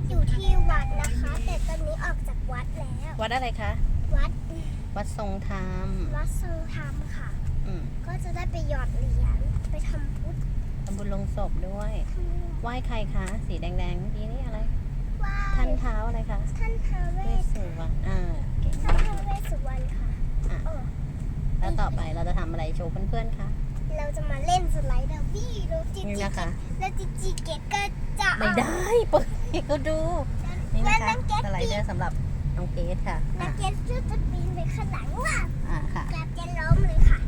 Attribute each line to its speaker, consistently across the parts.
Speaker 1: อยู่ที่วัดนะคะ แต่ตอนนี้ออกจากวัดแล้ว
Speaker 2: วัดอะไรคะ
Speaker 1: วัด
Speaker 2: วัดทรงธรรม
Speaker 1: วัดทรงธรรมค่ะ
Speaker 2: อืม
Speaker 1: ก็จะได้ไปหยอดเหรียญไปทำบุญ
Speaker 2: ทำบุญลงศพด้วย ไหว้ใครคะ สีแดงๆเมื่อกี้นี่อะไร
Speaker 1: ไหว้
Speaker 2: ท่านเท้าอะไรคะ
Speaker 1: ท่านท้าวเว
Speaker 2: เวส
Speaker 1: ส
Speaker 2: สุวรรณเก่ง
Speaker 1: ท่าน
Speaker 2: มาก
Speaker 1: ท้าวเวสสุวรรณค่ะ
Speaker 2: อ่ะ
Speaker 1: เออ
Speaker 2: แล้วต่อไปเราจะทำอะไรโชว์เพื่อนๆคะ
Speaker 1: เราจะมาเล่นสไลเดอร์วี่แล้วจิ
Speaker 2: นี่
Speaker 1: จิ
Speaker 2: นะคะ
Speaker 1: แล้วจิจิเกตก็จะเอา
Speaker 2: ไม่ได้เปิดให้เขาดู นี่
Speaker 1: งั้
Speaker 2: นะ
Speaker 1: น
Speaker 2: คะ
Speaker 1: น้องเกต
Speaker 2: สไลเดอร์สำหรับน้องเกสค่ะ
Speaker 1: น้องเกตจะปีนไปข้างหลังว่า
Speaker 2: ค่ะ
Speaker 1: จะล้มเลยค่ะ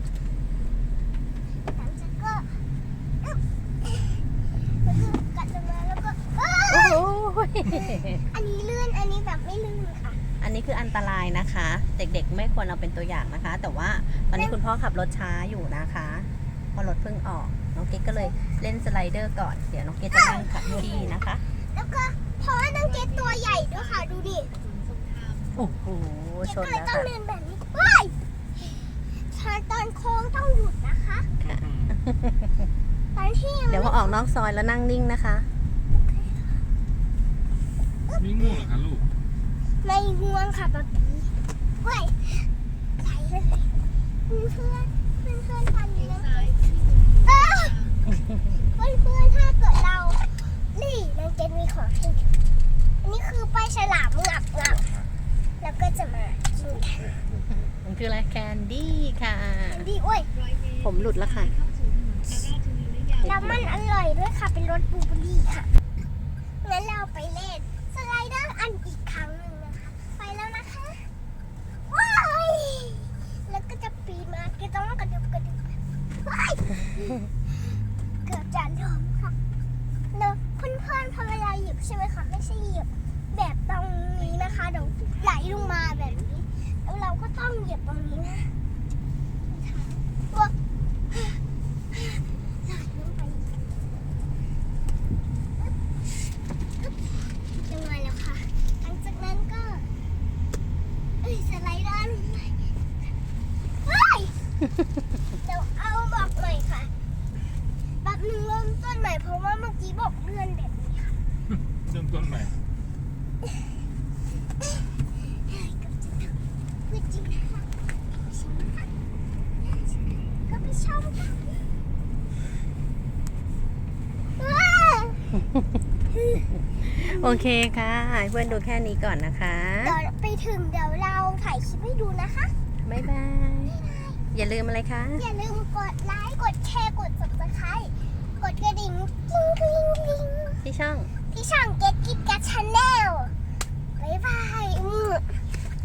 Speaker 1: หลังจากก็อึ๊บแล้วก็กัดลงมาแล้วก็เอ้ย
Speaker 2: โอ้ย
Speaker 1: อันนี้ลื่น อันนี้แบบไม่ลื่นค่ะ
Speaker 2: อันนี้คืออันตรายนะคะ เด็กๆไม่ควรเอาเป็นตัวอย่างนะคะ แต่ว่าตอนนี้คุณพ่อขับรถช้าอยู่นะคะเพราะรถเพิ่งออก น้องเกดก็เลยเล่นสไลเดอร์ก่อน เดี๋ยวน้องเกดจะนั่งขับที่นะคะ
Speaker 1: แล้วก็เพราะว่าน้องเกตตัวใหญ่ด้วยค่ะ ดูดิ
Speaker 2: โอ้โห
Speaker 1: เก
Speaker 2: ช
Speaker 1: ต
Speaker 2: น
Speaker 1: ก็เลย
Speaker 2: แล้ว
Speaker 1: ต้อง
Speaker 2: ค่ะ
Speaker 1: เดินแบบนี้ว้ายตอนโค้งต้องหยุดนะคะ
Speaker 2: ค่ะ
Speaker 1: ตอนที่ยัง
Speaker 2: เดี๋ยวพอออกนอกซอยแล้วนั่งนิ่งนะคะ
Speaker 3: ไม่ง่วงเหรอคะลูก
Speaker 1: ไม่ง่วงค่ะป๊าปีเว้ยไหลเลยเพื่อนทันเลยนะเพื่อนถ้าเกิดเรา นี่น้องเกตมีของให้ดูอันนี้คือปลาฉลามงับแล้วก็จะมากินกัน
Speaker 2: มันคืออะไรแคนดี้ค่ะ
Speaker 1: ดีโอ้ย
Speaker 2: ผมหลุดแล้วค่ะ
Speaker 1: แล้วมันอร่อยด้วยค่ะ เป็นรสบลูเบอร์รี่ค่ะ งั้นเราไปเล่นสไลเดอร์อันอีกครั้งหนึ่งนะคะ ไปแล้วนะคะ ว้ายแล้วก็จะปีนมาก็ต้องกระดึบว้ายเกือบจะล้มค่ะเนอะเพื่อนๆพอเวลาหยิบใช่ไหมคะไม่ใช่หยิบแบบตรงนี้นะคะเดี๋ยวไหลลงมาแบบนี้ แล้วเราก็ต้องเหยียบตรงนี้นะว้าไหลลงไปยังไงแล้วค่ะหลังจากนั้นก็สไลเดอร์ลงไปว้ายเดี๋ยวเอาบอกใหม่ค่ะแป๊บนึงเริ่มต้นใหม่เพราะว่าเมื่อกี้บอกเลื่อนแบบนี้ค่ะ
Speaker 3: เริ่มต้นใหม่
Speaker 1: พูดจริงนะคะก็ไปชมกันว้าว
Speaker 2: โอเคค่ะให้เพื่อนดูแค่นี้ก่อนนะคะ
Speaker 1: เดี๋ยวไปถึงเดี๋ยวเราถ่ายคลิปให้ดูนะคะ
Speaker 2: บ๊ายบาย อย่าลืมอะไรคะ
Speaker 1: อย่าลืมกดไลค์ กดแชร์ กด subscribe กดกระดิ่งกริ๊งกริ๊งกริ๊ง
Speaker 2: ที่ช่อง
Speaker 1: ที่ช่อง Get Kit Kat Channel